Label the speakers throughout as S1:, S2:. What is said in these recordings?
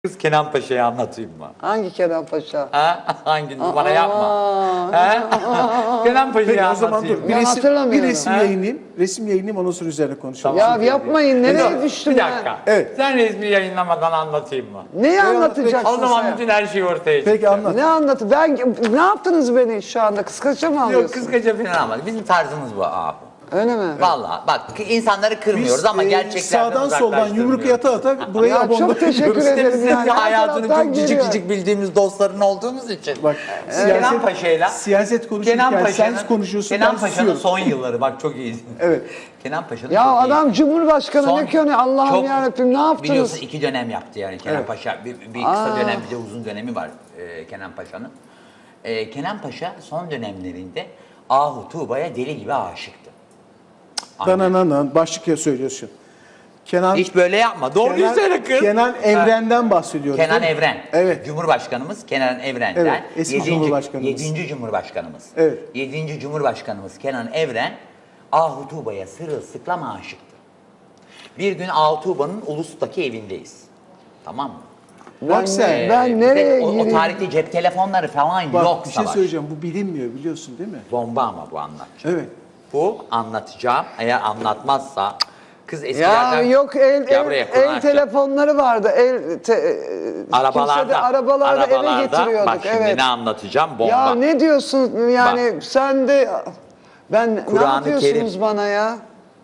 S1: Kız Kenan Paşa'yı anlatayım mı?
S2: Hangi Kenan Paşa?
S1: Ha? Hangi bana yapma. Ha? Kenan Paşa'yı
S3: Peki o zaman
S1: anlatayım.
S3: dur.
S2: Ben hatırlamıyorum.
S3: Resim yayınlayayım. Resim yayınlayayım ondan sonra üzerine konuşalım.
S2: Ya yapmayın, nereye düştüm
S1: Bir
S2: ben?
S1: dakika.
S3: Evet.
S1: Sen resmi yayınlamadan anlatayım mı?
S2: Neyi anlatacaksın
S1: O zaman
S2: sen?
S1: bütün her şey ortaya çıktı.
S3: Peki anlat.
S2: Ne anlatı? Ne yaptınız beni şu anda? Kıskaça mı
S1: Yok
S2: alıyorsun?
S1: kıskaca falan ama bizim tarzımız bu abi.
S2: Öyle mi?
S1: Vallahi bak insanları kırmıyoruz ama gerçeklerden
S3: sağdan soldan yumruk
S1: uzaklaştırmıyoruz.
S3: ata ata burayı
S2: Ya
S3: abonda
S2: çok teşekkür
S3: yapıyoruz.
S2: ederim.
S1: Bizim
S2: Yani her
S1: hayatını
S2: taraftan
S1: çok cicik
S2: geliyor.
S1: cicik bildiğimiz dostların olduğumuz için.
S3: Bak
S1: Kenan Paşa'yla
S3: siyaset konuşurken sen konuşuyorsun
S1: Kenan
S3: ben
S1: Paşa'nın
S3: susuyorum.
S1: son yılları bak çok iyi.
S3: Evet.
S1: Kenan Paşa'nın
S2: Ya
S1: çok iyi.
S2: adam Cumhurbaşkanı
S1: Son-
S2: ne ki hani Allah'ım
S1: çok-
S2: yarabbim ne yaptınız?
S1: Biliyorsun 2 dönem yaptı yani Kenan
S3: Evet.
S1: Paşa. Bir kısa dönem bir de uzun dönemi var Kenan Paşa'nın. Kenan Paşa son dönemlerinde Ahu Tuğba'ya deli gibi aşıktı. Aynen.
S3: Danananan başlık söylüyorsun. Kenan
S1: Hiç böyle yapma. Doğruyu söyle kız.
S3: Kenan Evren'den bahsediyoruz.
S1: Kenan
S3: değil mi?
S1: Evren.
S3: Evet.
S1: Cumhurbaşkanımız Kenan Evren'den.
S3: Evet, eski Cumhurbaşkanımız.
S1: 7. Cumhurbaşkanımız.
S3: Evet.
S1: 7. Cumhurbaşkanımız Kenan Evren Ahu Tuğba'ya sırılsıklam aşıktı. Bir gün Ahu Tuğba'nın Ulus'taki evindeyiz. Tamam mı?
S3: Bak sen.
S2: Ben
S1: Bir de
S2: nereye
S1: o
S2: gireyim?
S1: tarihte cep telefonları falan
S3: Bak
S1: yok
S3: bir şey
S1: Savaş.
S3: söyleyeceğim. Bu bilinmiyor biliyorsun değil mi?
S1: Bomba ama bu anlatacağım.
S3: Evet.
S1: Bu anlatacağım. Eğer anlatmazsa kız
S2: Ya
S1: eskilerden...
S2: yok
S1: Gel buraya,
S2: el
S1: kulağını
S2: telefonları vardı.
S1: Arabalarda,
S2: kimse de arabalarda eve getiriyorduk.
S1: bak şimdi
S2: Evet.
S1: ne anlatacağım bomba.
S2: Ya ne diyorsun yani sen de ne
S1: Kur'an-ı
S2: yapıyorsunuz
S1: Kerim.
S2: bana ya?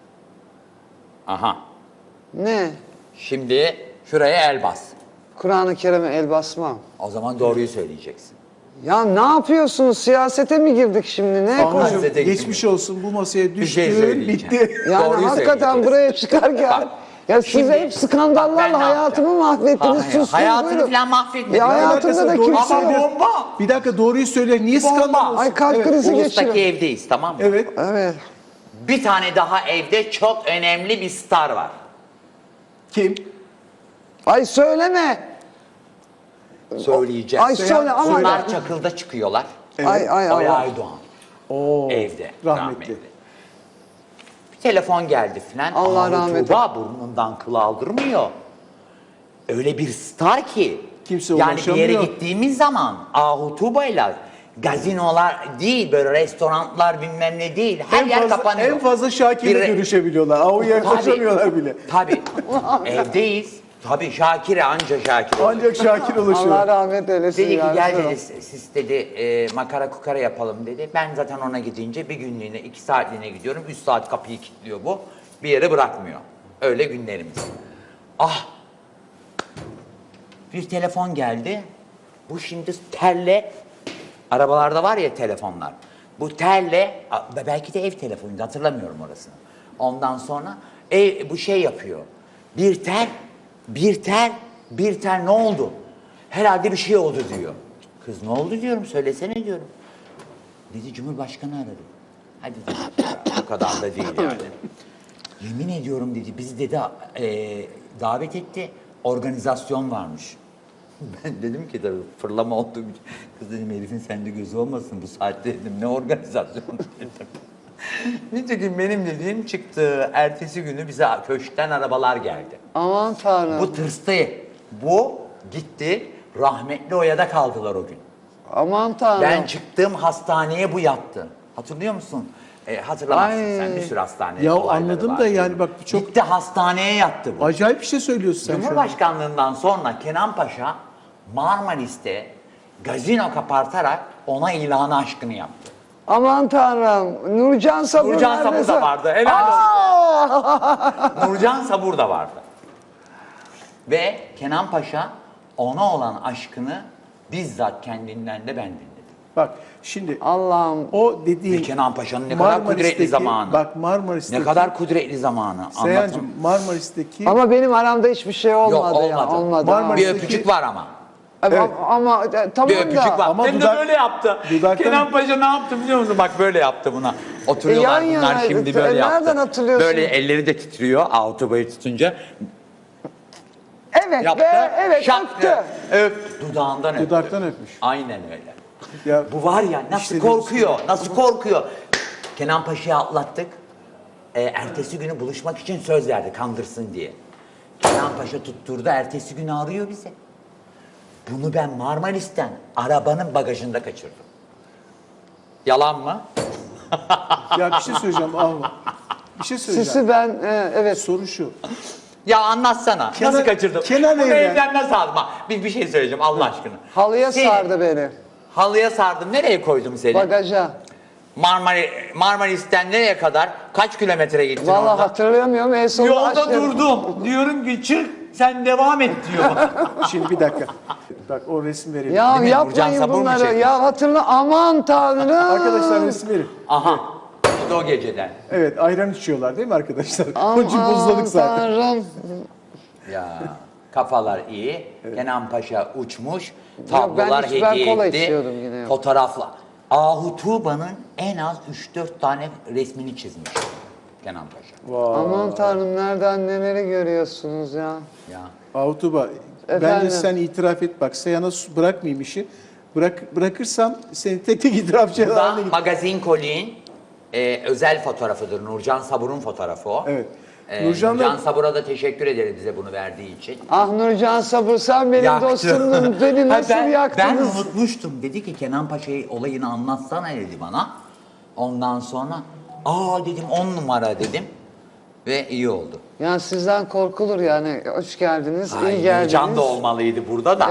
S1: Aha.
S2: Ne?
S1: Şimdi şuraya el bas.
S2: Kur'an-ı Kerim'e el basmam.
S1: O zaman doğruyu söyleyeceksin.
S2: Ya ne yapıyorsunuz? Siyasete mi girdik şimdi? Ne
S1: Anladım.
S2: konuşuyorsunuz?
S3: Anacığım geçmiş olsun bu masaya
S1: Bir şey
S3: düştün
S1: söyleyeceğim.
S3: bitti.
S2: Yani
S1: Doğruyu
S2: hakikaten
S1: söyleyeceksin.
S2: buraya çıkarken
S1: Bak,
S2: ya siz
S1: şimdi-
S2: hep
S1: Bak ben
S2: skandallarla
S1: ne
S2: hayatımı
S1: yapacağım?
S2: mahvettiniz.
S1: Hayır,
S2: Sustunuz.
S1: hayatını
S2: buyurun.
S1: falan mahvetmedim.
S2: Ya hayatımda da
S3: Doğruyu
S2: kimse
S1: Ama
S3: söyle.
S2: yok.
S1: bomba.
S3: Bir dakika doğruyu söyle. Niye
S1: Bomba.
S3: skandal olsun?
S2: Ay kalp
S3: Evet.
S2: krizi
S1: Ulus'taki
S2: geçiriyorum.
S1: evdeyiz tamam mı?
S3: Evet.
S2: Evet.
S1: Bir tane daha evde çok önemli bir star var.
S3: Kim?
S2: Ay söyleme.
S1: Söyleyeceğim.
S2: Ay söyle ama.
S1: Onlar Çakıl'da çıkıyorlar.
S2: Ay
S1: Oya
S2: Allah.
S1: Aydoğan.
S3: Oo,
S1: Evde.
S3: rahmetli.
S1: Bir telefon geldi filan.
S2: Allah
S1: Ahu
S2: rahmet
S1: Tuğba burnundan kıl aldırmıyor. Öyle bir star ki.
S3: Kimse
S1: yani bir yere
S3: ulaşamıyor.
S1: gittiğimiz zaman Ahu Tuğba'yla gazinolar değil böyle restoranlar bilmem ne değil. Her yer kapanıyor.
S3: En fazla Şakir'le
S1: Bir-
S3: görüşebiliyorlar. Avu'ya
S1: Tabii.
S3: yaklaşamıyorlar bile.
S1: Tabii. Evdeyiz. Tabii Şakir'e anca Şakir olur.
S3: Ancak Şakir ulaşıyor.
S2: Allah rahmet eylesin.
S1: Dedi ki
S2: ya.
S1: gel dedi siz dedi makara kukara yapalım dedi. Ben zaten ona gidince bir günlüğüne 2 saatliğine gidiyorum. 3 saat kapıyı kilitliyor bu. Bir yere bırakmıyor. Öyle günlerimiz. Ah! Bir telefon geldi. Bu şimdi telle arabalarda var ya telefonlar. Bu telle belki de ev telefonuydu hatırlamıyorum orasını. Ondan sonra bu şey yapıyor. Bir tel ne oldu? Herhalde bir şey oldu diyor. Kız ne oldu diyorum söylesene diyorum. Dedi Cumhurbaşkanı aradı. Hadi dedi ya, o kadar da değil yani. Yemin ediyorum dedi bizi dedi davet etti organizasyon varmış. Ben dedim ki tabii fırlama olduğum için. Kız dedim herifin sende gözü olmasın bu saatte dedim ne organizasyonu dedim. Nitekim benim dediğim çıktı. Ertesi günü bize köşkten arabalar geldi.
S2: Aman Tanrım.
S1: Bu tırstı. Bu gitti. Rahmetli Oya'da kaldılar o gün.
S2: Aman Tanrım.
S1: Ben çıktığım hastaneye bu yattı. Hatırlıyor musun? Hatırlamazsın
S2: Ay.
S1: sen bir sürü hastane
S3: Ya
S1: olayları
S3: anladım
S1: var.
S3: da yani bak çok
S1: Gitti hastaneye yattı bu.
S3: acayip bir şey söylüyorsun sen şu an.
S1: Cumhurbaşkanlığından sonra Kenan Paşa Marmaris'te gazino kapartarak ona ilanı aşkını yaptı.
S2: Aman Tanrım. Nurcan Sabur
S1: Nurcan Sabur
S2: neredeyse-
S1: da vardı. Helal olsun. Nurcan Sabur da vardı. Ve Kenan Paşa ona olan aşkını bizzat kendinden de ben dinledim.
S3: Bak şimdi
S2: Allah'ım.
S3: o
S1: Ve
S3: dediğin
S1: Kenan Paşa'nın ne kadar kudretli zamanı.
S3: Bak Marmaris'teki
S1: Ne kadar kudretli zamanı.
S3: Seyhancığım Marmaris'teki
S2: Ama benim aramda hiçbir şey olmadı ya.
S1: olmadı.
S2: Olmadı.
S3: Marmaris-
S1: Bir öpücük var ama.
S2: Evet.
S3: Evet.
S2: Ama tamam
S1: Bir öpücük
S2: da.
S1: var.
S3: Ama
S1: Hem de
S3: dudak-
S1: böyle yaptı.
S3: dudaktan-
S1: Kenan Paşa ne yaptı biliyor musun? Bak böyle yaptı buna. Oturuyorlar
S2: yan
S1: bunlar
S2: yana,
S1: şimdi böyle yaptı.
S2: nereden hatırlıyorsun?
S1: Böyle elleri de titriyor autobayı tutunca.
S2: Evet
S1: Yaptı.
S2: be, evet
S1: şak
S2: öptü.
S1: diye Öp. Dudağından öptü.
S3: dudaktan öpmüş.
S1: Aynen öyle.
S3: Ya
S1: Bu var ya nasıl
S3: İşte
S1: korkuyor, nasıl korkuyor. Kenan Paşa'yı atlattık. Ertesi günü buluşmak için söz verdi kandırsın diye. Kenan Paşa tutturdu, ertesi günü arıyor bizi. Bunu ben Marmaris'ten arabanın bagajında kaçırdım. Yalan mı?
S3: Ya bir şey söyleyeceğim Ahu. Bir şey söyleyeceğim.
S2: Sisi ben evet.
S3: Soru şu.
S1: Ya anlatsana.
S3: Kenan-
S1: nasıl kaçırdım?
S3: Kenan
S1: Bunu
S3: evden-
S1: evden nasıl aldım? Ha, bir şey söyleyeceğim Allah aşkına.
S2: Halıya
S1: Seni-
S2: sardı beni.
S1: Halıya sardım. Nereye koydum seni?
S2: Bagaja.
S1: Marmaris'ten nereye kadar? Kaç kilometre gittin
S2: Vallahi
S1: orada?
S2: hatırlayamıyorum. En sonunda
S1: Yolda
S2: aşağı-
S1: durdum. Diyorum ki çık sen devam et diyor.
S3: Şimdi bir dakika. Bak o resim verelim.
S2: Ya
S1: Değil mi? Nurcan
S2: yapmayın
S1: sabun mu
S2: bunları.
S1: çekmiş?
S2: Ya hatırla aman tanrım.
S3: Arkadaşlar resim verin.
S1: Aha. Bu da o geceden.
S3: Evet ayran içiyorlar değil mi arkadaşlar? Onun için buzladık zaten.
S2: Tanrım.
S1: Ya kafalar iyi. Kenan Paşa uçmuş.
S2: ben
S1: Tablolar
S2: ben
S1: hediye
S2: kola
S1: etti.
S2: içiyordum yine yok.
S1: Fotoğrafla. Ahu Tuğba'nın en az 3-4 tane resmini çizmiş Kenan Paşa.
S2: Aman tanrım nereden neleri görüyorsunuz ya.
S1: Ya.
S3: Ahutuba bence
S2: Efendim?
S3: sen itiraf et bak. Seyhan'a bırakmayayım işi. Bırakırsam seni tek tek itirafçı
S1: Bu da
S3: haline getir.
S1: Magazin Koli'nin özel fotoğrafıdır. Nurcan Sabur'un fotoğrafı o.
S3: Evet.
S1: Nurcan
S3: Nurcan'la
S1: Sabur'a da teşekkür ederiz bize bunu verdiği için.
S2: Ah Nurcan Sabır sen benim
S1: Yaktı.
S2: dostumdun. Beni
S1: Ha,
S2: nasıl
S1: ben
S2: yaktınız?
S1: unutmuştum. Dedi ki Kenan Paşa'yı olayını anlatsana dedi bana. Ondan sonra dedim 10 numara dedim. Ve iyi oldu.
S2: Yani sizden korkulur yani. Hoş geldiniz, iyi
S1: Ay,
S2: geldiniz.
S1: Nurcan da olmalıydı burada da.